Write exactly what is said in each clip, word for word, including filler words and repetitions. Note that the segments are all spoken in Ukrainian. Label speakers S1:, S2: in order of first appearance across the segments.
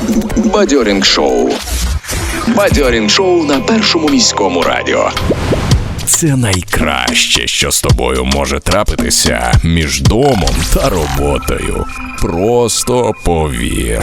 S1: Бадьорінг шоу. Бадьорінг шоу на Першому міському радіо. Це найкраще, що з тобою може трапитися між домом та роботою. Просто повір.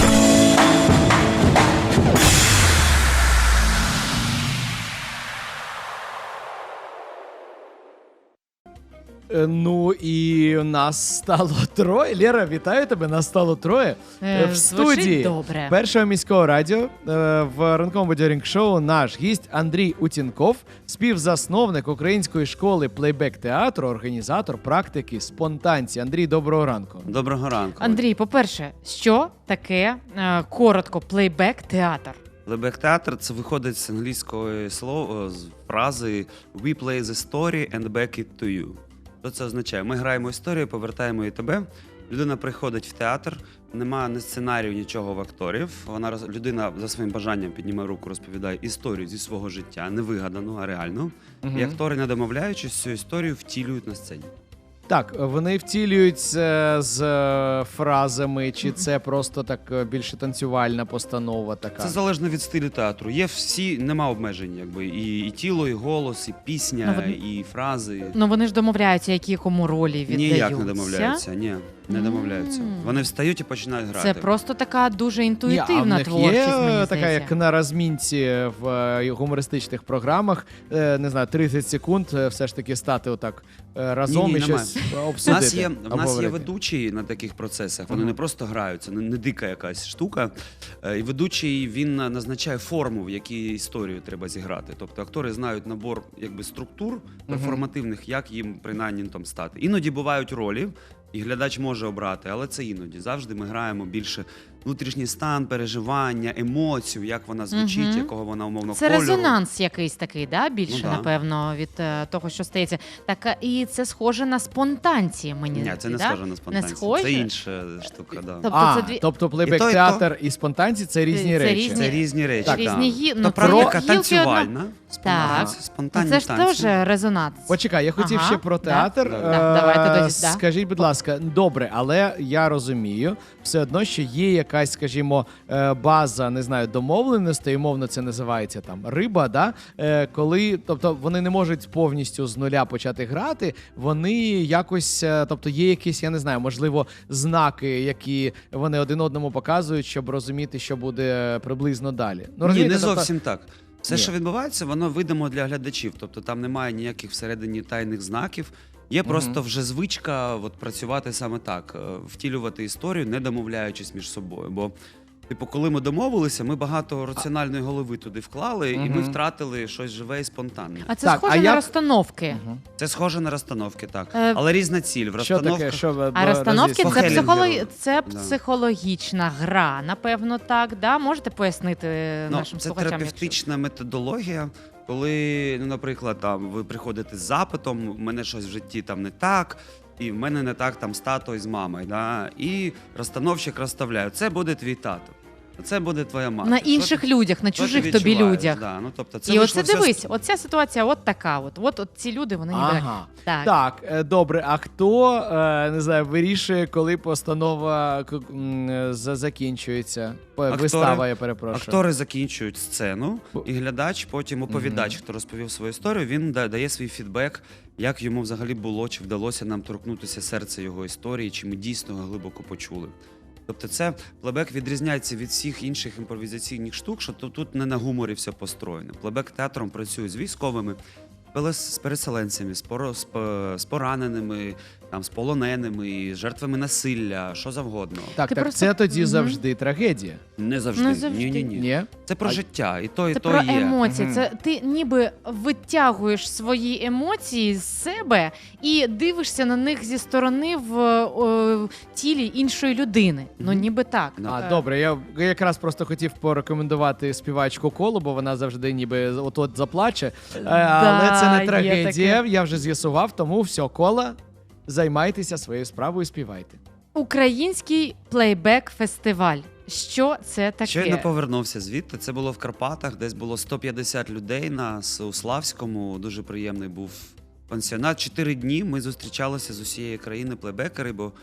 S2: Ну і нас стало троє. Лєра, вітаю тебе, нас стало троє.
S3: Е,
S2: в
S3: звучить
S2: студії
S3: добре.
S2: Першого міського радіо е, в ранковому бадьорінг шоу наш гість Андрій Утінков, співзасновник української школи плейбек-театру, організатор практики спонтанці. Андрій, доброго ранку.
S4: Доброго ранку.
S3: Андрій, по-перше, що таке е, коротко плейбек-театр?
S4: Плейбек-театр – це виходить з англійської слова, з фрази «We play the story and back it to you». Що це означає? Ми граємо історію, повертаємо її тебе. Людина приходить в театр, немає ні сценарію, нічого в акторів. Вона, людина за своїм бажанням піднімає руку, розповідає історію зі свого життя, не вигадану, а реальну.
S2: Угу.
S4: І актори, не домовляючись, цю історію втілюють на сцені.
S2: Так, вони втілюють е, з е, фразами, чи це просто так е, більше танцювальна постанова така?
S4: Це залежно від стилю театру. Є всі, нема обмежень, якби і, і тіло, і голос, і пісня,
S3: Ну, вони-
S4: і фрази.
S3: Ну вони ж домовляються, які кому ролі віддаються.
S4: Ніяк не домовляються, ні, не домовляються.
S3: М.
S4: Вони встають і починають грати.
S3: Це просто така дуже
S2: Ні, а в
S3: інтуїтивна
S2: них
S3: творчість,
S2: є
S3: мені
S2: така,
S3: здається.
S2: як на розмінці в е, гумористичних програмах, е, не знаю, тридцять секунд е, все ж таки стати отак е, разом
S4: Ні-ні,
S2: і
S4: немає.
S2: щось
S4: У
S2: обсудити.
S4: нас є, в нас є
S2: обговорити.
S4: ведучий на таких процесах, вони
S2: Ага.
S4: не просто грають, це не, не дика якась штука. Е, І ведучий, він назначає форму, в якій історію треба зіграти. Тобто актори знають набор якби, структур перформативних, як їм принаймні там стати. Іноді бувають ролі, і глядач може обрати, але це іноді. Завжди ми граємо більше внутрішній стан, переживання, емоцію, як вона звучить,
S3: Мгм.
S4: якого вона умовно
S3: Це
S4: кольору.
S3: резонанс якийсь такий, да? більше,
S4: Ну, да.
S3: напевно, від е, того, що стається. Так, а, і це схоже на спонтанці, мені
S4: Ні,
S3: здається,
S4: це не
S3: да?
S4: схоже на спонтанці.
S3: схоже?
S4: Це інша штука, да.
S3: Тобто
S2: А,
S3: це дві-
S2: тобто
S4: І то, і
S2: плейбек-театр і спонтанці – це різні
S3: Це
S2: речі.
S3: різні-
S4: Це різні речі.
S2: Так,
S3: різні гі...
S4: То
S3: ну,
S4: практика
S3: гілки одна-
S4: танцювальна,
S3: Так.
S4: спонтанні
S3: Це ж
S4: танці.
S3: теж резонанс.
S2: Почекай, я хотів
S3: Ага,
S2: ще про
S3: да.
S2: театр.
S4: Да.
S2: Е,
S3: Да, давайте тоді, да.
S2: Скажіть, будь ласка, добре, але я розумію, все одно, що є якась, скажімо, е, база, не знаю, домовленостей, умовно це називається там риба, да? Е, коли, тобто вони не можуть повністю з нуля почати грати, вони якось, е, тобто є якісь, я не знаю, можливо, знаки, які вони один одному показують, щоб розуміти, що буде приблизно далі. Ну,
S4: Ні,
S2: розумієте,
S4: не
S2: тобто-
S4: зовсім так. Все,
S2: Ні.
S4: що відбувається, воно видимо для глядачів. Тобто там немає ніяких всередині тайних знаків. Є просто вже звичка от, працювати саме так, е, втілювати історію, не домовляючись між собою. Бо, типу, коли ми домовилися, ми багато раціональної голови туди вклали, і ми
S2: Мгм.
S4: втратили щось живе і спонтанне.
S3: А це
S2: Так,
S3: схоже
S2: а
S3: на
S2: як-
S3: розстановки.
S4: Це схоже на розстановки, так.
S3: Е,
S4: Але різна ціль. В
S2: Що
S4: розстановках
S2: таке? Що ви
S3: А розстановки це,
S4: По
S3: психолог...
S4: Хелінгеру.
S3: це
S4: Да.
S3: психологічна гра, напевно, так. Да? Можете пояснити
S4: Ну,
S3: нашим
S4: це
S3: слухачам?
S4: терапевтична методологія, коли, ну, наприклад, там ви приходите з запитом, в мене щось в житті там не так, і в мене не так там з тато і з мамою. Да? І розстановщик розставляє, це буде твій тато, а це буде твоя мама.
S3: На
S4: Що
S3: інших
S4: ти-
S3: людях, на
S4: що ти
S3: чужих тобі
S4: відчуваєш?
S3: людях.
S4: Да, ну, тобто, це
S3: І
S4: вийшло
S3: оце
S4: все з-
S3: дивись, оця ситуація от така. От, от, от ці люди, вони ніби
S2: Ага.
S3: так.
S2: Так, е, добре. А хто е, не знаю, вирішує, коли постанова к- м, е, за- закінчується? П-
S4: Актори-
S2: Вистава, я перепрошую.
S4: Актори закінчують сцену,
S2: Бо-
S4: і глядач, потім оповідач, хто розповів свою історію, він да- дає свій фідбек, як йому взагалі було, чи вдалося нам торкнутися серця його історії, чи ми дійсно його глибоко почули. Тобто це плейбек відрізняється від всіх інших імпровізаційних штук, що тут, тут не на гуморі все построєно. Плейбек театром працює з військовими, з переселенцями, з, поро- з, по- з пораненими, там, з полоненими, з жертвами насилля, що завгодно.
S2: Так,
S3: Ти
S2: так
S3: просто-
S2: це тоді
S3: Мгм.
S2: завжди трагедія.
S4: Не завжди.
S3: Не завжди.
S4: Ні-ні-ні.
S2: Ні?
S4: Це про
S2: А-
S4: життя, і то, і
S3: Це
S4: то
S3: про
S4: є.
S3: емоції.
S2: Мгм.
S3: Це ти ніби витягуєш свої емоції з себе і дивишся на них зі сторони в о, тілі іншої людини. Ну
S4: Мгм.
S3: ніби так.
S4: Да.
S2: А,
S3: Е,
S2: добре, я якраз просто хотів порекомендувати співачку Колу, бо вона завжди ніби от-от заплаче. Е, але це
S3: Да,
S2: не
S3: є
S2: трагедія,
S3: таке.
S2: я вже з'ясував, тому все, Кола, займайтеся своєю справою, співайте.
S3: Український плейбек-фестиваль. Що це таке?
S4: Щойно повернувся звідти. Це було в Карпатах, десь було сто п'ятдесят людей нас у Славському. Дуже приємний був пансіонат. Чотири дні ми зустрічалися з усієї країни плейбекери, бо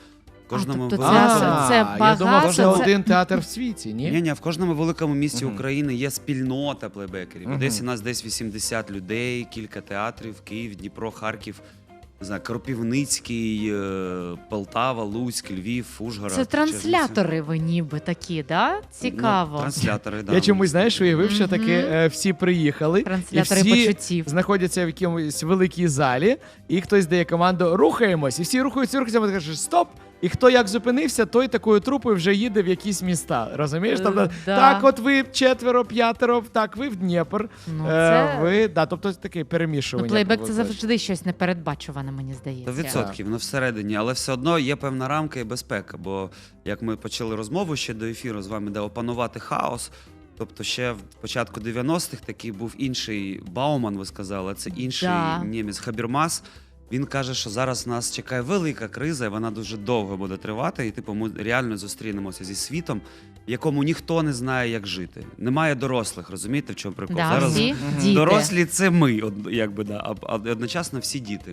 S4: Кожному
S3: тобто
S4: вели-
S3: це-
S2: А,
S3: це
S2: я
S3: багато,
S2: думав, це
S3: це-
S2: один театр в світі, ні?
S4: Ні, ні, в кожному великому місті
S2: Мгм.
S4: України є спільнота плейбекерів. В
S2: Мгм.
S4: Одесі нас десь вісімдесят людей, кілька театрів, Київ, Дніпро, Харків, не знаю, Кропивницький, е, Полтава, Луцьк, Львів, Ужгород.
S3: Це транслятори ви ніби такі, да?
S4: Чернівці.
S3: Цікаво.
S4: Ну, транслятори, да.
S2: Я чомусь, знаєш, уявив, що
S3: Мгм.
S2: таки е, всі приїхали, і
S3: Транслятори
S2: всі
S3: почуттів.
S2: знаходяться в якомусь великій залі, і хтось дає команду «рухаємось», і всі рухаються, рухаються, а ти кажеш «стоп», і хто як зупинився, той такою трупою вже їде в якісь міста, розумієш?
S3: Е,
S2: Тобто,
S3: да.
S2: так, от ви четверо, п'ятеро, так, ви в Дніпр,
S3: Ну,
S2: е,
S3: це...
S2: ви, да, тобто таке
S3: Ну,
S2: перемішування.
S3: плейбек це
S2: виходить.
S3: завжди щось непередбачуване, мені
S4: До
S3: здається.
S4: відсотків, ну всередині, але все одно є певна рамка і безпека. Бо як ми почали розмову ще до ефіру з вами, де опанувати хаос. Тобто ще в початку дев'яностих такий був інший Бауман, ви сказали, це інший
S3: Да.
S4: німець Хабермас. Він каже, що зараз нас чекає велика криза, і вона дуже довго буде тривати. І типу, ми реально зустрінемося зі світом, в якому ніхто не знає, як жити. Немає дорослих, розумієте, в чому прикол?
S3: Да,
S4: Зараз
S3: всі
S2: Мгм.
S3: діти.
S4: дорослі це ми, од- якби да, а а одночасно всі діти.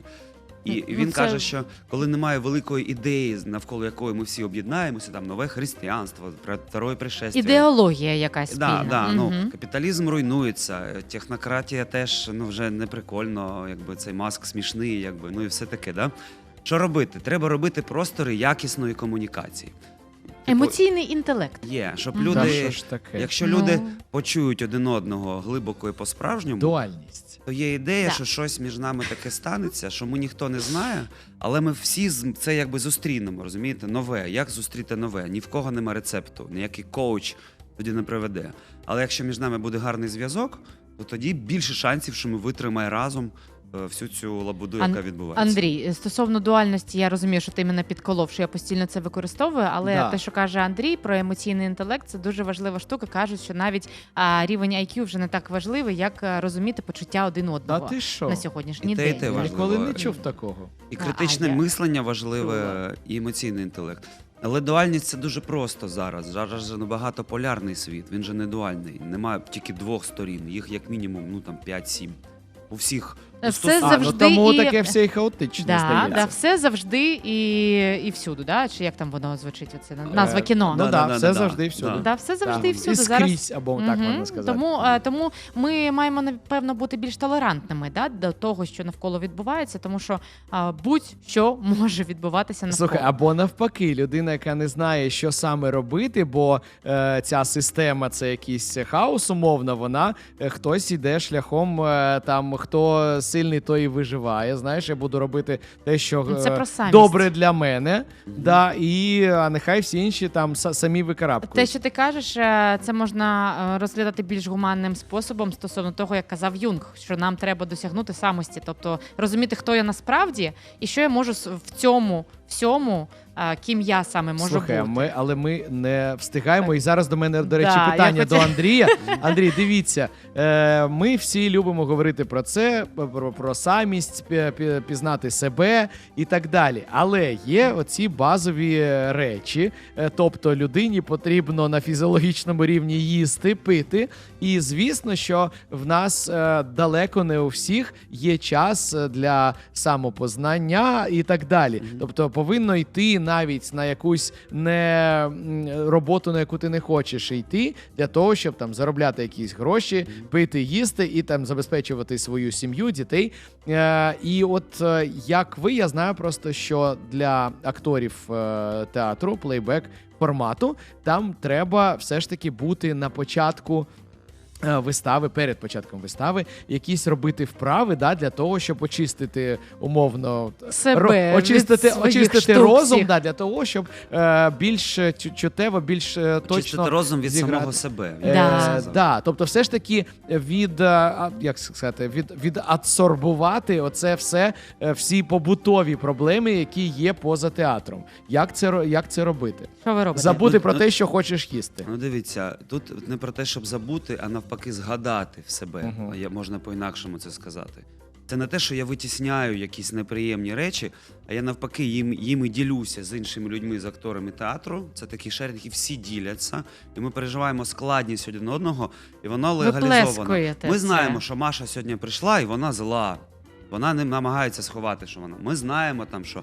S4: І
S3: Ну,
S4: він
S3: це-
S4: каже, що коли немає великої ідеї, навколо якої ми всі об'єднаємося, там нове християнство, про второе пришестя.
S3: Ідеологія якась спільна.
S4: Да, да, ну,
S3: Мгм.
S4: капіталізм руйнується, технократія теж ну, вже не прикольно, якби цей Маск смішний, якби, ну і все таке. Да? Що робити? Треба робити простори якісної комунікації. Типу,
S3: Емоційний інтелект.
S4: Є, щоб
S3: Мгм.
S2: Та
S4: люди,
S2: що ж таке?
S4: якщо
S3: Ну.
S4: люди почують один одного глибоко і по-справжньому,
S2: Дуальність.
S4: то є ідея,
S3: Да.
S4: що щось між нами таке станеться, що ми ніхто не знає, але ми всі з- це якби зустрінемо, розумієте? Нове. Як зустріти нове? Ні в кого нема рецепту, ніякий коуч тоді не приведе. Але якщо між нами буде гарний зв'язок, то тоді більше шансів, що ми витримаємо разом е, всю цю лабуду,
S3: Ан-
S4: яка відбувається.
S3: Андрій, стосовно дуальності, я розумію, що ти мене підколов, що я постійно це використовую, але
S2: Да.
S3: те, що каже Андрій про емоційний інтелект, це дуже важлива штука. Кажуть, що навіть а, рівень ай к'ю вже не так важливий, як а, розуміти почуття один
S2: Та
S3: одного
S2: ти що?
S3: на сьогоднішній
S4: І те, і
S3: день.
S4: те
S2: Я
S4: важливо.
S2: ніколи не чув такого.
S4: І
S3: А,
S4: критичне
S3: а я-
S4: мислення важливе, і емоційний інтелект. Але дуальність це дуже просто зараз. Зараз же ну, багатополярний світ, він же не дуальний. Немає тільки двох сторін, їх як мінімум ну, там, п'ять-сім. У всіх.
S3: Все
S4: стос-
S2: А, ну
S3: завжди
S2: тому
S3: і...
S2: таке все і хаотичне,
S3: Да,
S2: здається.
S3: да, все завжди і, і всюди, да? Чи як там воно звучить? Оце назва
S2: Е,
S3: кіно.
S2: Ну
S4: Да,
S2: так,
S4: да,
S2: все
S4: да,
S2: завжди і
S4: да.
S2: всюди.
S4: Да.
S3: Да, все завжди
S2: Да.
S3: і всюди.
S2: І
S3: Зараз
S2: скрізь, або так
S3: Мгм.
S2: можна сказати.
S3: Тому, е, тому ми маємо напевно бути більш толерантними, да, до того, що навколо відбувається, тому що а, будь-що може відбуватися навколо.
S2: Слухай, або навпаки, людина, яка не знає, що саме робити, бо е, ця система це якийсь хаос, умовно, вона е, хтось іде шляхом, е, там хто сильний, той і виживає. Знаєш, я буду робити те, що
S3: Ну, це
S2: е,
S3: про самість.
S2: добре для мене. Да, і а нехай всі інші там са- самі
S3: Те,
S2: викарабкують.
S3: що ти кажеш, е, це можна е, розглядати більш гуманним способом стосовно того, як казав Юнг, що нам треба досягнути самості, тобто розуміти, хто я насправді і що я можу с- в цьому всьому, е, ким я саме можу
S2: Слухай,
S3: бути.
S2: ми, але ми не встигаємо. І зараз до мене, до речі,
S3: Да,
S2: питання
S3: я
S2: до
S3: хотів-
S2: Андрія. Андрій, дивіться, е, ми всі любимо говорити про це, про, про самість, пі- пі- пізнати себе і так далі. Але є оці базові е, речі. Е, тобто людині потрібно на фізіологічному рівні їсти, пити. І звісно, що в нас е, далеко не у всіх є час е, для самопознання і так далі. Тобто повинно йти навіть на якусь не м, роботу, на яку ти не хочеш йти, для того, щоб там заробляти якісь гроші, пити, їсти і там забезпечувати свою сім'ю, дітей. Е, і от е, як ви, я знаю просто, що для акторів е, театру, плейбек формату, там треба все ж таки бути на початку е, вистави, перед початком вистави, якісь робити вправи, да, для того, щоб очистити умовно
S3: Себе
S2: ро- очистити,
S3: від своїх
S2: очистити
S3: штук
S2: розум,
S3: всіх.
S2: да, для того, щоб е, більш е, чу- чуттєво, більш е, точно
S4: Чистити розум від
S2: зіграти.
S4: самого себе.
S2: Е,
S3: Да.
S2: да, тобто, все ж таки від е, а, як сказати, від відадсорбувати оце все, е, всі побутові проблеми, які є поза театром. Як це ро- як це робити?
S3: Що ви робите?
S2: Забути
S4: Ну,
S2: про
S4: ну,
S2: те, що хочеш їсти.
S4: Ну дивіться, тут не про те, щоб забути, а навпаки згадати в себе.
S2: Мгм.
S4: Я, можна по-інакшому це сказати. Це не те, що я витісняю якісь неприємні речі, а я навпаки їм, їм і ділюся з іншими людьми, з акторами театру. Це такі шерінги, які всі діляться, і ми переживаємо складність один одного, і воно легалізовано.
S3: Виплескуєте
S4: Ми
S3: це.
S4: знаємо, що Маша сьогодні прийшла, і вона зла. Вона не намагається сховати, що вона. Ми знаємо там, що в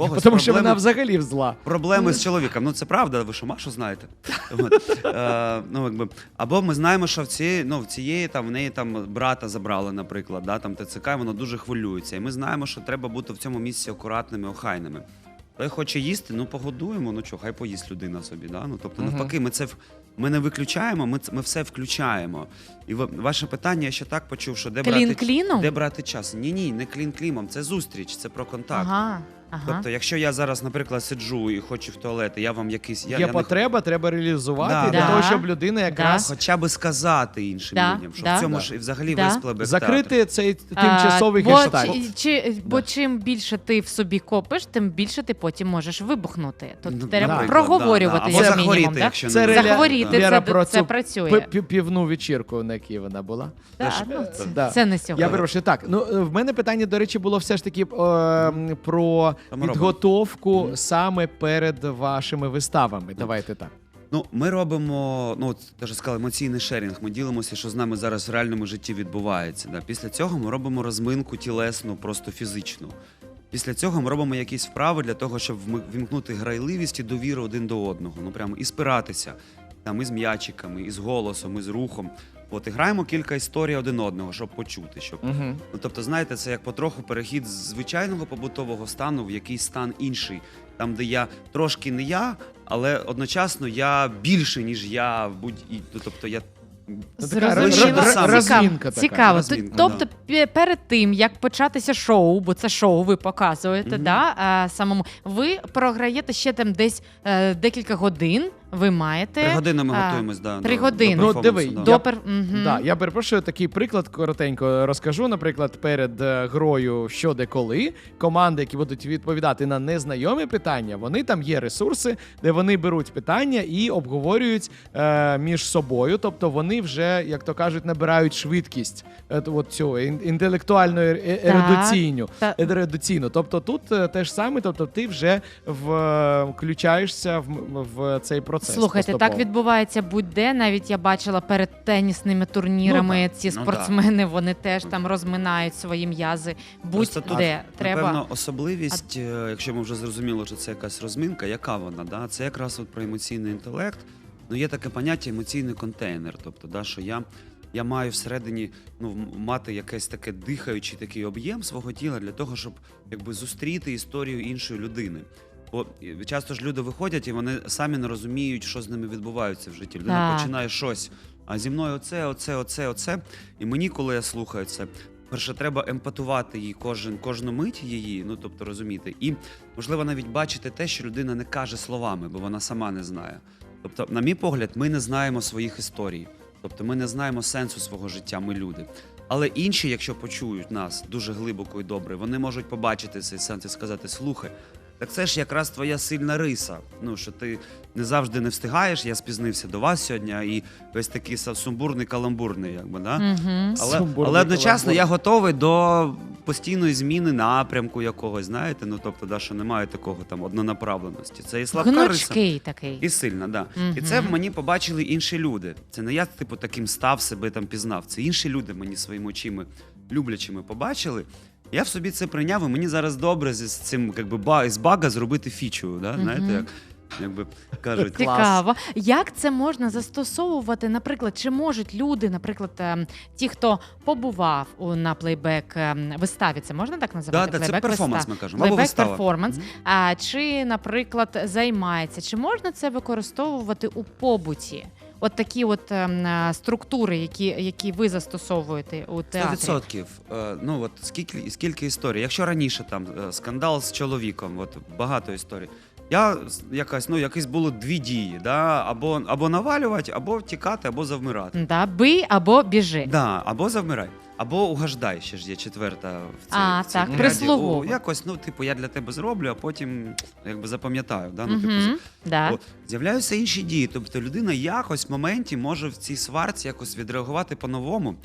S4: когось
S2: Тому що
S4: проблеми-
S2: вона взагалі зла.
S4: Проблеми з чоловіком. Ну це правда, ви що, Машу знаєте? От. Е, ну, якби. Або ми знаємо, що в цієї, ну, в цієї там, в неї там брата забрали, наприклад, да, там ТЦК, і воно дуже хвилюється. І ми знаємо, що треба бути в цьому місці акуратними, охайними. Той хоче їсти, ну погодуємо, ну чого, хай поїсть людина собі. Да? Ну, тобто, навпаки, ми це в- ми не виключаємо, ми, ц- ми все включаємо. І ва- ваше питання, я ще так почув, що де
S3: Клін
S4: брати,
S3: кліном?
S4: де брати час. Ні-ні, не клін кліном, це зустріч, це про контакт.
S3: Ага, ага.
S4: Тобто, якщо я зараз, наприклад, сиджу і хочу в туалет, і я вам якийсь... Я,
S2: Є
S4: я не
S2: потреба, треба реалізувати
S4: Да.
S2: для
S3: Да.
S2: того, щоб людина якраз
S4: Хоча би сказати іншим
S3: Да,
S4: людям, що
S3: да.
S4: в цьому
S2: Да.
S4: ж і взагалі
S3: Да.
S4: весь плейбек-театр.
S2: закрити цей тимчасовий
S3: А, бо,
S2: гештальт.
S3: чи- чи, бо
S2: Да.
S3: чим більше ти в собі копиш, тим більше ти потім можеш вибухнути. Тут
S4: Ну,
S3: треба
S4: наприклад,
S3: проговорювати
S4: да, да.
S3: як
S4: Або
S3: мінімум.
S4: захворіти,
S3: Да?
S4: якщо
S2: Це
S4: не
S2: реля-
S3: Захворіти,
S2: Віра,
S3: це,
S2: про
S3: це
S2: цю
S3: працює.
S2: пи- пі- півну вечірку, на якій вона була.
S3: Да,
S4: Це ж-
S3: ну, це,
S2: Да.
S3: це не сьогодні.
S2: Я перепрошую. Так, ну е, в мене питання, до речі, було все ж таки е, м, про
S4: Що ми
S2: підготовку саме перед вашими виставами. Давайте так.
S4: Ну, ми робимо, ну, от, теж сказали, емоційний шерінг. Ми ділимося, що з нами зараз в реальному житті відбувається. Да? Після цього ми робимо розминку тілесну, просто фізичну. Після цього ми робимо якісь вправи для того, щоб вми- вімкнути грайливість і довіру один до одного. Ну, прямо і спиратися. Там, і з м'ячиками, і з голосом, і з рухом. От, і граємо кілька історій один одного, щоб почути. Щоб...
S2: Угу.
S4: Ну, тобто, знаєте, це як потроху перехід з звичайного побутового стану в якийсь стан інший. Там, де я трошки не я, але одночасно я більше, ніж я будь і ну, тобто я.
S3: Зрозуміло.
S4: р- р-
S3: Цікаво.
S2: розмінка така.
S3: Цікаво.
S4: Розмінка,
S3: Тобто, пе- перед тим як початися шоу, бо це шоу ви показуєте,
S4: Мгм.
S3: да, а, самому ви програєте ще там десь е, декілька годин. Ви маєте
S4: Три години ми
S3: а,
S4: готуємось, да,
S3: три
S4: до,
S3: години.
S4: до
S2: Ну,
S4: перформансу,
S2: диви,
S4: да.
S3: до пер... Мгм.
S2: Да, я перепрошую, такий приклад коротенько розкажу. Наприклад, перед е, грою «Що, де, коли» команди, які будуть відповідати на незнайомі питання, вони там є ресурси, де вони беруть питання і обговорюють е, між собою. Тобто вони вже, як то кажуть, набирають швидкість е, от цього ін- інтелектуальну е- ерудиційну.
S3: Та-
S2: Ерудиційну. Тобто тут е, те ж саме, тобто ти вже в, е, включаєшся в, в цей процес.
S3: Слухайте, так
S2: поступово.
S3: відбувається будь-де. Навіть я бачила перед тенісними турнірами ці
S4: Ну,
S3: спортсмени, вони теж там розминають свої м'язи.
S4: Просто
S3: Будь-де
S4: тут,
S3: треба.
S4: Напевно, особливість, е, якщо ми вже зрозуміли, що це якась розминка, яка вона? Да? Це якраз от про емоційний інтелект. Ну, є таке поняття емоційний контейнер. Тобто, да, що я, я маю всередині ну, м- мати якийсь таке дихаючий такий об'єм свого тіла для того, щоб якби, зустріти історію іншої людини. Бо е, часто ж люди виходять і вони самі не розуміють, що з ними відбувається в житті. Людина
S3: Так.
S4: починає щось. А зі мною оце, оце, оце, оце. І мені, коли я слухаю це, перше, треба емпатувати її кожен, кожну мить її, ну тобто розуміти. І можливо навіть бачити те, що людина не каже словами, бо вона сама не знає. Тобто, на мій погляд, ми не знаємо своїх історій. Тобто ми не знаємо сенсу свого життя, ми люди. Але інші, якщо почують нас дуже глибоко і добре, вони можуть побачити цей сенс і сказати: слухай, так це ж якраз твоя сильна риса. Ну, що ти не завжди не встигаєш, я спізнився до вас сьогодні, і весь такий са- сумбурний, каламбурний, якби, да?
S3: Мгм.
S4: Але,
S2: Сумбурний
S4: але одночасно
S2: каламбур.
S4: я готовий до постійної зміни напрямку якогось, знаєте, ну тобто, да, що немає такого там однонаправленості. Це і слабка риса.
S3: Гнучкий такий.
S4: І сильна, да.
S3: Мгм.
S4: І це в мені побачили інші люди. Це не я, типу, таким став, себе там пізнав. Це інші люди мені своїми очима люблячими побачили. Я в собі це прийняв, і мені зараз добре з цим, якби, ба, з бага зробити фічу, да? Знаєте,
S3: Мгм.
S4: як, якби кажуть.
S3: Цікаво. Як це можна застосовувати? Наприклад, чи можуть люди, наприклад, ем, ті, хто побував у- на плейбек ем, виставі, це можна так
S4: Да,
S3: називати?
S4: да, це
S3: Плейбек
S4: перформанс,
S3: вистав.
S4: ми кажемо. Або
S3: Плейбек
S4: вистава.
S3: перформанс.
S4: Мгм.
S3: А чи, наприклад, займається? Чи можна це використовувати у побуті? От такі от ем, е, структури, які, які ви застосовуєте у
S4: Сто
S3: театрі.
S4: відсотків. Е, Ну от скільки скільки історій. Якщо раніше там е, скандал з чоловіком, от багато історій. Я з- якась, ну якісь було дві дії, да? або, або навалювати, або втікати, або завмирати.
S3: Да, бий або біжи.
S4: Да, або завмирай, або угаждай, ще ж є четверта в цій,
S3: А,
S4: в цій
S3: так,
S4: ряді.
S3: прислугово.
S4: О, якось, ну, типу, я для тебе зроблю, а потім якби запам'ятаю. Да? Ну, типу,
S3: Мгм, да.
S4: От, з'являються інші дії. Тобто людина якось в моменті може в цій сварці якось відреагувати по-новому.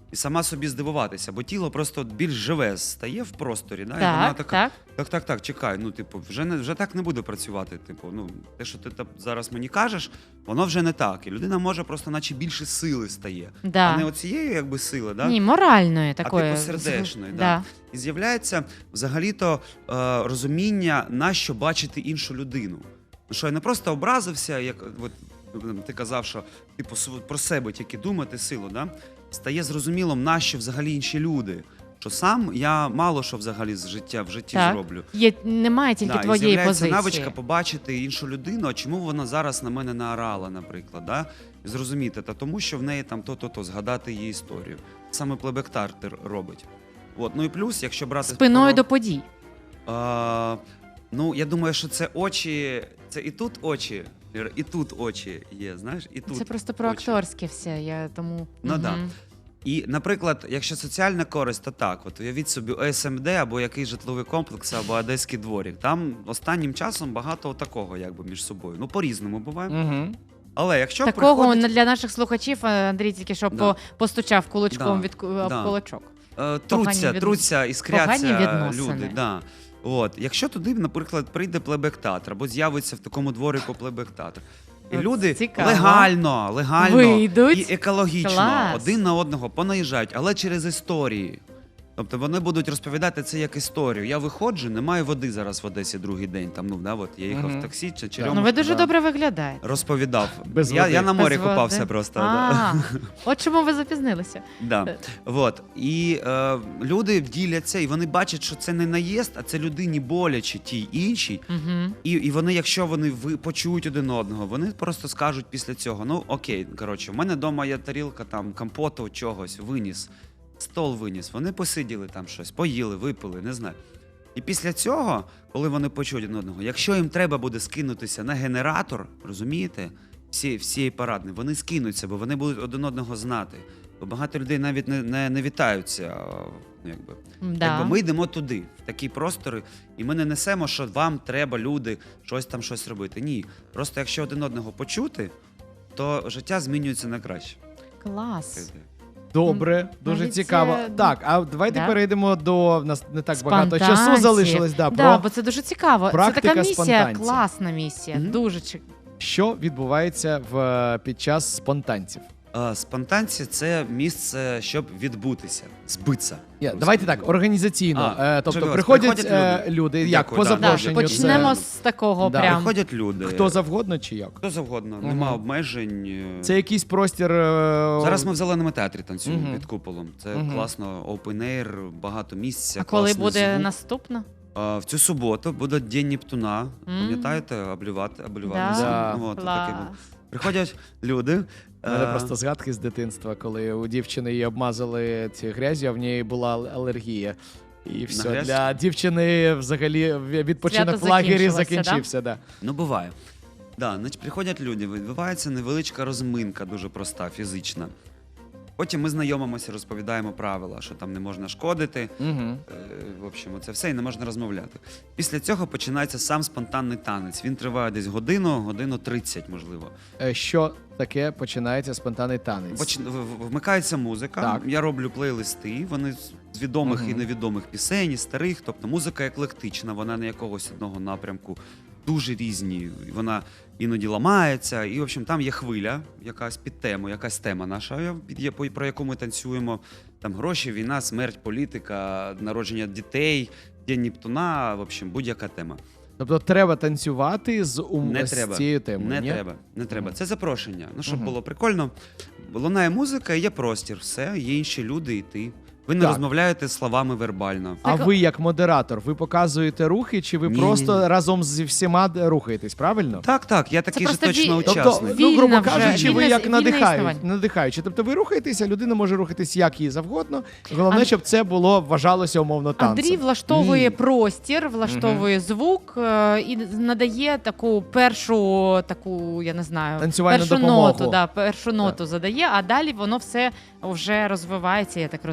S4: і сама собі здивуватися, бо тіло просто більш живе стає в просторі. Да? І
S3: Так,
S4: вона така,
S3: так.
S4: так, так, так, чекай, ну, типу, вже, не, вже так не буде працювати. Типу, ну, те, що ти та- зараз мені кажеш, воно вже не так. І людина може просто наче більше сили стає.
S3: Да.
S4: А не оцієї якби сили, да?
S3: Ні, моральної
S4: а
S3: такої.
S4: типу сердечної. Да.
S3: Да.
S4: І з'являється взагалі-то е, розуміння, на що бачити іншу людину. Ну, що я не просто образився, як от, ти казав, що типу, св- про себе тільки думати силу, да? Стає зрозумілим, на що взагалі інші люди. Що сам я мало що взагалі з життя в житті
S3: Так.
S4: зроблю.
S3: Є, немає тільки
S4: Да, і
S3: твоєї
S4: з'являється
S3: позиції.
S4: навичка побачити іншу людину, а чому вона зараз на мене наорала, наприклад. Да? І зрозуміти, та тому що в неї там то-то-то, згадати її історію. Саме плебектар робить. От. Ну і плюс, якщо брати
S3: Спиною
S4: про-
S3: до подій.
S4: А, ну, я думаю, що це очі, це і тут очі, і тут очі є, знаєш, і тут
S3: Це просто про
S4: очі.
S3: акторське все. Я тому.
S4: Ну,
S3: Мгм.
S4: да. І, наприклад, якщо соціальна користь, то так, от уявіть собі О С М Д або який житловий комплекс, або Одеський дворік. Там останнім часом багато такого, якби між собою. Ну, по-різному буває.
S2: Угу.
S4: Але якщо
S3: Такого
S4: приходить,
S3: для наших слухачів Андрій тільки що
S4: Да.
S3: по- постучав кулачком
S4: Да.
S3: від ку- об
S4: Да.
S3: кулачок.
S4: е, труться,
S3: від-
S4: труться, іскряться
S3: погані відносини.
S4: люди. Да. От. Якщо туди, наприклад, прийде плебек-театр, або з'явиться в такому дворику плебек-театр, і
S3: От
S4: люди
S3: цікаво.
S4: легально, легально
S3: Вийдуть.
S4: і екологічно
S3: Клас.
S4: один на одного понаїжджають, але через історії. Тобто вони будуть розповідати це як історію. Я виходжу, немає води зараз в Одесі другий день. Там, ну, да, от, я їхав
S2: Мгм.
S4: в таксі, чи
S3: Ну
S4: черемушка,
S3: ви дуже
S4: да,
S3: добре виглядаєте.
S4: розповідав.
S2: Без
S4: я,
S2: води.
S4: я на морі
S3: Без
S4: купався
S3: води.
S4: просто. Да.
S3: А, от чому ви запізнилися.
S4: Да. Вот. І е, люди діляться, і вони бачать, що це не наїзд, а це людині боляче тій іншій.
S3: Угу.
S4: І, і вони, якщо вони ви почують один одного, вони просто скажуть після цього: ну окей, коротше, в мене вдома є тарілка там компоту, чогось, виніс, стол виніс. Вони посиділи там щось, поїли, випили, не знаю. І після цього, коли вони почують один одного, якщо їм треба буде скинутися на генератор, розумієте, всі, всієї парадної, вони скинуться, бо вони будуть один одного знати. Бо багато людей навіть не, не, не вітаються. Ну, якби.
S3: Да.
S4: Якби ми йдемо туди, в такі простори, і ми не несемо, що вам треба, люди, щось там щось робити. Ні. Просто якщо один одного почути, то життя змінюється на краще.
S3: Клас.
S2: Добре, дуже
S3: навіть
S2: цікаво.
S3: це-
S2: Так, а давайте
S3: Да.
S2: перейдемо до в нас не так багато
S3: Спонтанців.
S2: часу залишилось. Да,
S3: Да,
S2: про
S3: бо це дуже цікаво. Це
S2: практика
S3: така місія,
S2: спонтанців.
S3: класна місія.
S4: Мгм.
S3: Дуже чи-
S2: що відбувається в під час спонтанців.
S4: А, спонтанці – це місце, щоб відбутися, збитися.
S2: Я, давайте так, організаційно.
S4: А,
S2: е, тобто
S4: чудово.
S2: приходять,
S4: Приходять
S2: е,
S4: люди.
S2: люди, як
S4: Дякую,
S2: по
S4: да,
S3: Да,
S2: запрошенню.
S4: це-
S3: почнемо
S2: це,
S3: з такого
S2: Да.
S3: прям.
S4: Приходять люди.
S2: хто завгодно чи як?
S4: Хто завгодно,
S2: Мгм.
S4: нема обмежень. е.
S2: Це якийсь простір. е,
S4: Зараз ми в зеленому театрі танцюємо
S2: Мгм.
S4: під куполом. Це
S2: Мгм.
S4: класно, open air, багато місця.
S3: А коли
S4: класний
S3: буде
S4: звук.
S3: наступна?
S4: А, в цю суботу буде День Нептуна.
S3: М.
S4: Пам'ятаєте, облювати, облювати.
S3: Да.
S2: Да.
S4: Ну, от, таке
S3: Клас.
S4: буде. Приходять люди.
S2: У мене
S4: е,
S2: просто згадки з дитинства, коли у дівчини її обмазали ці грязі, а в неї була ал- алергія. І все,
S4: грязь?
S2: для дівчини взагалі відпочинок
S3: Свято
S2: в лагері
S3: закінчилося,
S2: закінчився. Да?
S4: Ну, буває. Да, значить, приходять люди, відбувається невеличка розминка, дуже проста, фізична. Потім ми знайомимося, розповідаємо правила, що там не можна шкодити.
S2: Угу.
S4: Е, В общем, це все і не можна розмовляти. Після цього починається сам спонтанний танець. Він триває десь годину, годину тридцять, можливо.
S2: Що таке починається спонтанний танець?
S4: Поч... в- в- Вмикається музика.
S2: Так.
S4: Я роблю плейлисти. Вони з- з відомих
S2: Мгм.
S4: і невідомих пісень, і старих. Тобто музика еклектична, вона не якогось одного напрямку. Дуже різні. Вона іноді ламається. І, в общем, там є хвиля, якась під тему, якась тема наша, під є- по- про яку ми танцюємо. Там гроші, війна, смерть, політика, народження дітей, День Нептуна, в общем, будь-яка тема.
S2: Тобто треба танцювати з, ум...
S4: Не
S2: з
S4: треба.
S2: цією темою.
S4: Не
S2: ні?
S4: треба, не треба.
S2: Мгм.
S4: Це запрошення. Ну, щоб
S2: Мгм.
S4: було прикольно. Лунає музика, є простір, все, є інші люди і ти. Ви не
S2: Так.
S4: розмовляєте словами вербально.
S2: А
S3: Так,
S2: ви як модератор, ви показуєте рухи, чи ви
S4: Ні,
S2: просто
S4: ні, ні.
S2: разом зі всіма д- рухаєтесь, правильно?
S4: Так, так, я такий же
S3: просто
S4: точно
S3: ві-
S2: Тобто,
S4: учасник.
S2: ну, грубо
S3: Вільна вже,
S2: кажучи, ви
S3: вільне-
S2: як
S3: вільне
S2: надихають,
S3: існування.
S2: надихаючи. Тобто ви рухаєтеся, людина може рухатись як їй завгодно. Головне,
S3: Ан-
S2: щоб це було вважалося умовно танцем.
S3: Андрій влаштовує
S4: Ні.
S3: простір, влаштовує звук е, і надає таку першу, таку, я не знаю,
S2: Танцювальну
S3: першу
S2: допомогу.
S3: ноту, да, першу ноту задає, а далі воно все вже розвивається, я так розумію,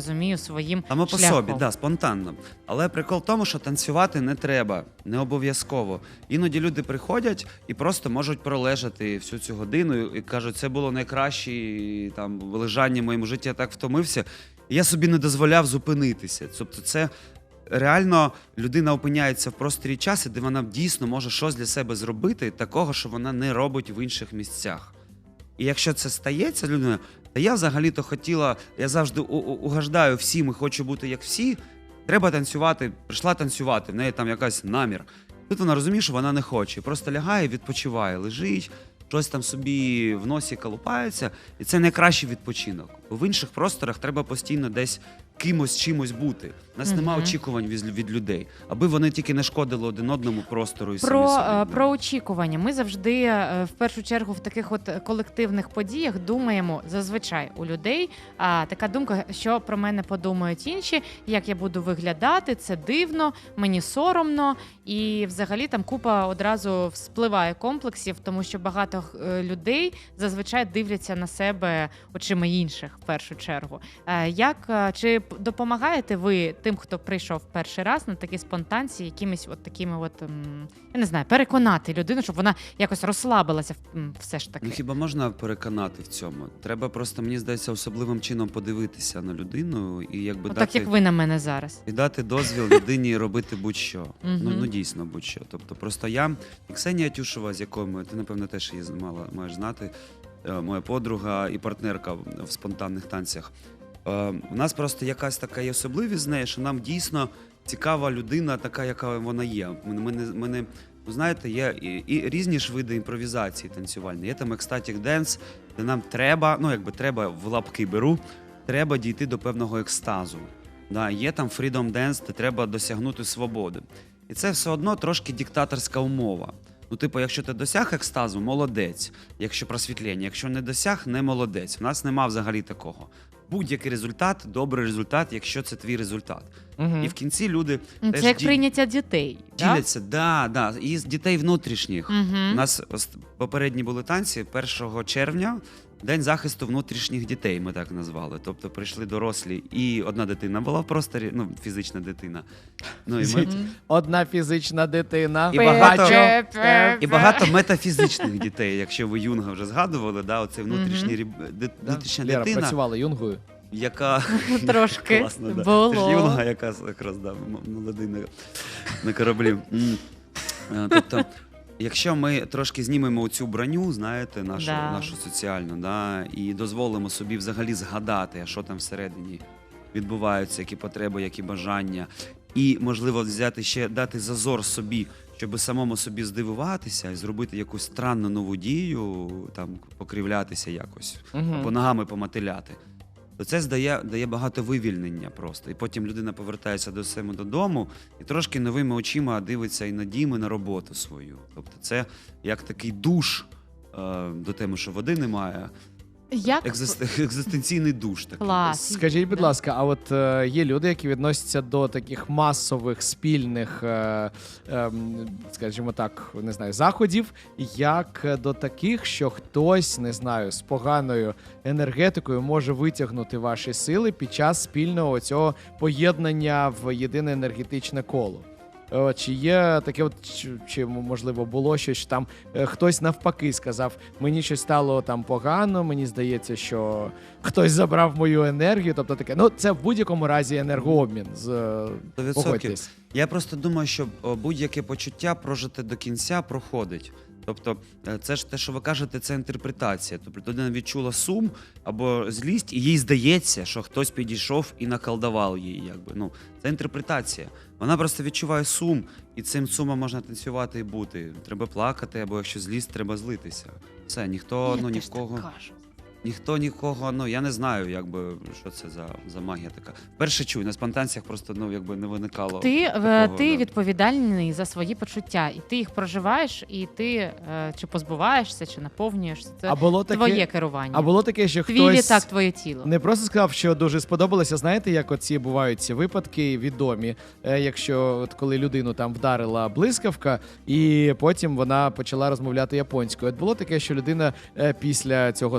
S3: своїм
S4: Само по
S3: шляхом.
S4: собі, да, спонтанно. Але прикол в тому, що танцювати не треба, не обов'язково. Іноді люди приходять і просто можуть пролежати всю цю годину і кажуть, це було найкраще там лежання в моєму житті, я так втомився. І я собі не дозволяв зупинитися. Тобто це реально людина опиняється в просторі часу, де вона дійсно може щось для себе зробити, такого, що вона не робить в інших місцях. І якщо це стається людина, та я взагалі-то хотіла, я завжди у- у- угождаю всім і хочу бути як всі, треба танцювати, прийшла танцювати, в неї там якась намір. Тут вона розуміє, що вона не хоче, просто лягає, відпочиває, лежить, щось там собі в носі колупається, і це найкращий відпочинок. Бо в інших просторах треба постійно десь кимось, чимось бути. У нас нема
S3: Мгм.
S4: очікувань від, від людей, аби вони тільки не шкодили один одному простору і
S3: Про,
S4: самі собі.
S3: е, про очікування. Ми завжди е, в першу чергу в таких от колективних подіях думаємо зазвичай у людей. А така думка, що про мене подумають інші, як я буду виглядати, це дивно, мені соромно, і взагалі там купа одразу вспливає комплексів, тому що багато е, людей зазвичай дивляться на себе очима інших в першу чергу. Е, Як е, чи п- допомагаєте ви тим, хто прийшов перший раз на такі спонтанці, якимись от такими, от м, я не знаю, переконати людину, щоб вона якось розслабилася м, все ж таки?
S4: Ну хіба можна переконати в цьому? Треба просто, мені здається, особливим чином подивитися на людину і якби
S3: Отак,
S4: дати,
S3: як ви на мене зараз.
S4: і дати дозвіл людині робити будь-що.
S3: Мгм.
S4: Ну, ну дійсно будь-що. Тобто просто я і Ксенія Тюшева, з якою ми, ти напевно теж її мала, маєш знати, е, моя подруга і партнерка в в спонтанних танцях. Е, У нас просто якась така є особливість з нею, що нам дійсно цікава людина, така, яка вона є. Ми, ми, не, ми не, ну, знаєте, є і, і різні ж види імпровізації танцювальної. Є там екстатік денс, де нам треба, ну якби треба в лапки беру, треба дійти до певного екстазу. Да, є там freedom dance, де треба досягнути свободи. І це все одно трошки диктаторська умова. Ну, типу, якщо ти досяг екстазу, молодець. Якщо просвітлення, якщо не досяг, не молодець. В нас нема взагалі такого. Будь-який результат, добрий результат, якщо це твій результат.
S2: Мгм.
S4: І в кінці люди
S3: М,
S4: теж
S3: Це як
S4: ді-
S3: прийняття дітей. Да?
S4: діляться, да, да, і з дітей внутрішніх.
S3: Мгм.
S4: У нас ос- попередні були танці першого червня, День захисту внутрішніх дітей, ми так назвали. Тобто прийшли дорослі, і одна дитина була в просторі, ну, фізична дитина. Ну, і, ми,
S3: Мгм.
S2: Одна фізична дитина.
S4: І багато-
S2: Бачу.
S4: і багато метафізичних дітей, якщо ви Юнга вже згадували, да, оцей внутрішній ріб- ди-
S2: Да.
S4: внутрішня
S2: Лера
S4: дитина,
S2: працювала юнгою.
S4: яка
S3: Трошки
S4: Класно, да.
S3: було.
S4: Це ж Юнга, яка якраз да, м- молодий на, на кораблі. М. Е, Тобто, якщо ми трошки знімемо цю броню, знаєте, нашу,
S3: Да.
S4: нашу соціальну, да, і дозволимо собі взагалі згадати, що там всередині відбуваються, які потреби, які бажання, і, можливо, взяти ще дати зазор собі, щоб самому собі здивуватися і зробити якусь странну нову дію, там покривлятися якось,
S2: Мгм.
S4: або ногами поматиляти. То це здає, дає багато вивільнення просто. І потім людина повертається до себе додому і трошки новими очима дивиться і на дім, і на роботу свою. Тобто це як такий душ е, до теми, що води немає,
S3: Як
S4: екзист, екзистенційний душ такий.
S3: клас.
S2: Скажіть, будь
S3: Да.
S2: ласка, а от е, є люди, які відносяться до таких масових спільних, е, ем, скажімо так, не знаю, заходів, як до таких, що хтось, не знаю, з поганою енергетикою може витягнути ваші сили під час спільного цього поєднання в єдине енергетичне коло. Е, Чи є таке, от чи, чи можливо було щось, що там е, хтось навпаки сказав, мені щось стало там погано, мені здається, що хтось забрав мою енергію. Тобто таке, ну це в будь-якому разі енергообмін. З е,
S4: Сто відсотків.
S2: погодьтесь.
S4: Я просто думаю, що о, будь-яке почуття прожите до кінця проходить. Тобто, е, це ж те, що ви кажете, це інтерпретація. Тобто людина відчула сум або злість, і їй здається, що хтось підійшов і наколдував її. Якби. Ну, це інтерпретація. Вона просто відчуває сум, і цим сумом можна танцювати і бути. Треба плакати, або якщо злість, треба злитися. Все, ніхто,
S3: Я
S4: ну
S3: теж так
S4: нікого.
S3: кажу.
S4: Ніхто нікого, ну я не знаю, якби що це за, за магія така. Перше чую, на спонтанціях просто ну якби не виникало.
S3: Ти, е,
S4: такого,
S3: ти
S4: да.
S3: відповідальний за свої почуття, і ти їх проживаєш, і ти е, чи позбуваєшся, чи наповнюєшся. Це
S2: А було таке,
S3: твоє керування.
S2: а було таке, що
S3: Твій
S2: хтось
S3: літак, твоє тіло.
S2: не просто сказав, що дуже сподобалося. Знаєте, як оці бувають ці випадки відомі, е, якщо от коли людину там вдарила блискавка, і потім вона почала розмовляти японською. От було таке, що людина е, після цього сеансу,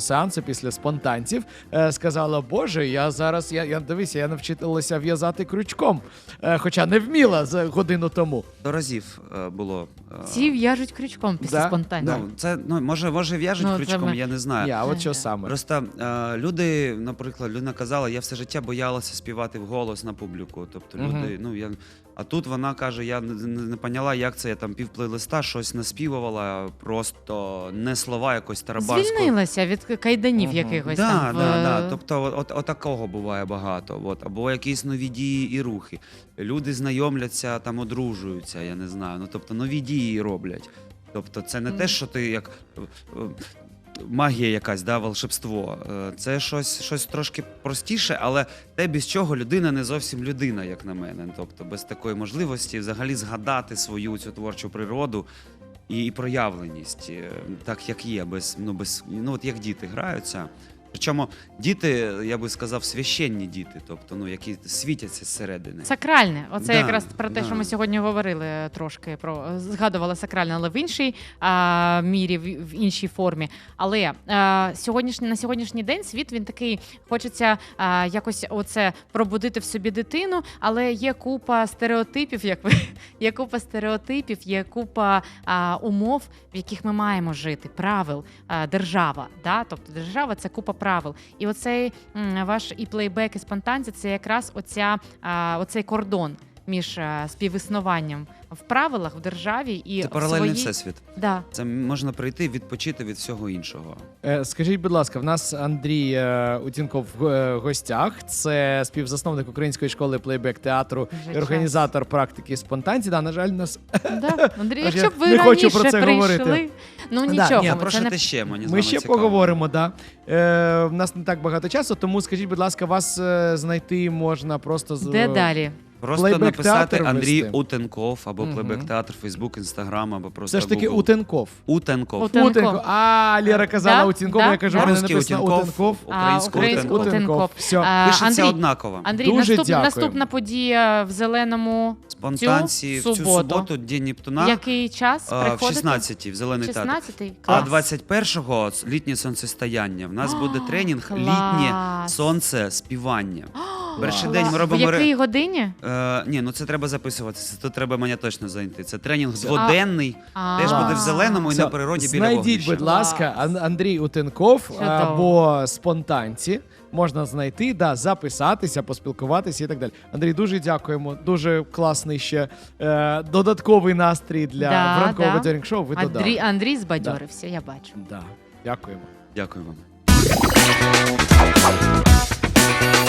S2: після спонтанців, е, сказала: Боже, я зараз, я, я дивися, я навчилася в'язати крючком, е, хоча не вміла за годину тому.
S4: До разів е, було. е,
S3: Всі в'яжуть крючком після
S2: Да,
S3: спонтанців.
S4: Ну, це, ну, може, може в'яжуть
S3: Ну, це
S4: крючком,
S3: ми-
S4: я не знаю.
S2: Ні, а от що саме?
S4: Просто е, люди, наприклад, людина казала, я все життя боялася співати вголос на публіку. Тобто
S2: Мгм.
S4: люди, ну я. А тут вона каже: я не, не, не поняла, як це я там пів плейлиста щось наспівувала, просто не слова якось тарабарською.
S3: Звільнилася від кайданів
S2: Мгм.
S3: якихось
S4: Да,
S3: там. в-
S4: да, да. Тобто, от, от, от такого буває багато. От, або якісь нові дії і рухи. Люди знайомляться, там одружуються, я не знаю. Ну тобто нові дії роблять. Тобто, це не
S3: Мгм.
S4: те, що ти як. е, е, Магія якась, да, волшебство. Е, Це щось, щось трошки простіше, але те, без чого людина не зовсім людина, як на мене. Тобто без такої можливості взагалі згадати свою цю творчу природу і, і проявленість, е, так як є, без, ну, без, ну, от як діти граються. Причому діти, я би сказав, священні діти, тобто, ну, які світяться зсередини.
S3: Сакральне. Оце
S4: Да,
S3: якраз про те,
S4: да.
S3: що ми сьогодні говорили трошки про згадували сакральне, але в іншій а, мірі, в, в іншій формі. Але а, сьогоднішній на сьогоднішній день світ він такий, хочеться а, якось оце пробудити в собі дитину, але є купа стереотипів, як ви є купа стереотипів, є купа а, умов, в яких ми маємо жити, правил, а, держава. Да? Тобто держава це купа правил. І оцей м, ваш і плейбек, і спонтанці це якраз оця, а, оцей кордон між а, співіснуванням в правилах в державі і
S4: Це
S3: в
S4: паралельний
S3: своїй...
S4: всесвіт.
S3: Да.
S4: Це можна прийти, відпочити від всього іншого.
S2: Е, Скажіть, будь ласка, в нас Андрій е, Утінков в е, гостях. Це співзасновник української школи плейбек-театру
S3: Вже
S2: і
S3: час.
S2: організатор практики спонтанці. Да, на жаль, нас
S3: Да. Андрій,
S2: Тож я
S3: якщо б ви
S2: не хочу
S3: раніше
S2: про це
S3: прийшли,
S2: говорити.
S3: ну
S2: Да,
S3: нічого,
S2: ні,
S3: ми
S4: Про
S3: це
S4: що
S3: не
S4: ти ще мені з
S2: Ми
S4: вами
S2: ще
S4: цікаво.
S2: поговоримо, да. Е, в нас не так багато часу, тому скажіть, будь ласка, вас е, знайти можна просто з
S3: де далі?
S4: Просто
S2: Плейбек-театр
S4: написати Андрій
S2: ввести.
S4: Утенков або
S2: Мгм.
S4: плейбек-театр, Фейсбук, Інстаграм, або просто
S2: Все ж таки
S4: Google.
S2: Утенков.
S4: Утенков.
S3: Утен- Утенков.
S2: Утенков. А, Лера казала
S3: Да,
S2: Утінков,
S3: да,
S2: я кажу,
S3: да.
S2: в мене
S4: Русський
S2: написано
S4: Утенков,
S2: Утенков.
S4: український
S3: А, український
S4: Утенков.
S3: Утенков.
S2: Все.
S3: А,
S4: Пишеться
S3: Андрій,
S4: однаково.
S3: Андрій,
S2: Дуже
S3: наступ,
S2: дякуємо.
S3: наступна подія в Зеленому.
S4: Спонтанці в
S3: цю
S4: цю
S3: суботу.
S4: суботу, День Нептуна,
S3: Який час
S4: а, в
S3: приходите?
S4: шістнадцятій в Зелений театр.
S3: шістнадцятий?
S4: А
S3: Клас.
S4: двадцять першого літнє сонцестояння. В нас буде тренінг
S3: клас.
S4: літнє сонце співання. Перший день ми
S3: В
S4: робимо ре-
S3: якій годині?
S4: Е, ні, ну це треба записуватися. Тут треба мене точно зайти. Це тренінг дводенний.
S3: А.
S4: Теж буде в
S3: А.
S4: зеленому і
S2: Все,
S4: на природі біля
S2: знайдіть,
S4: вогнища.
S2: будь ласка,
S3: Клас.
S2: Ан- Андрій Утенков
S3: Чудово.
S2: або спонтанці. Можна знайти, да, записатися, поспілкуватися і так далі. Андрій, дуже дякуємо. Дуже класний ще е, додатковий настрій для
S3: Да,
S2: ранкового
S3: да.
S2: бадьорінг шоу. Ви додали.
S3: Андрій, Андрій збадьорився, я бачу.
S2: Да. Дякуємо.
S4: Дякую вам.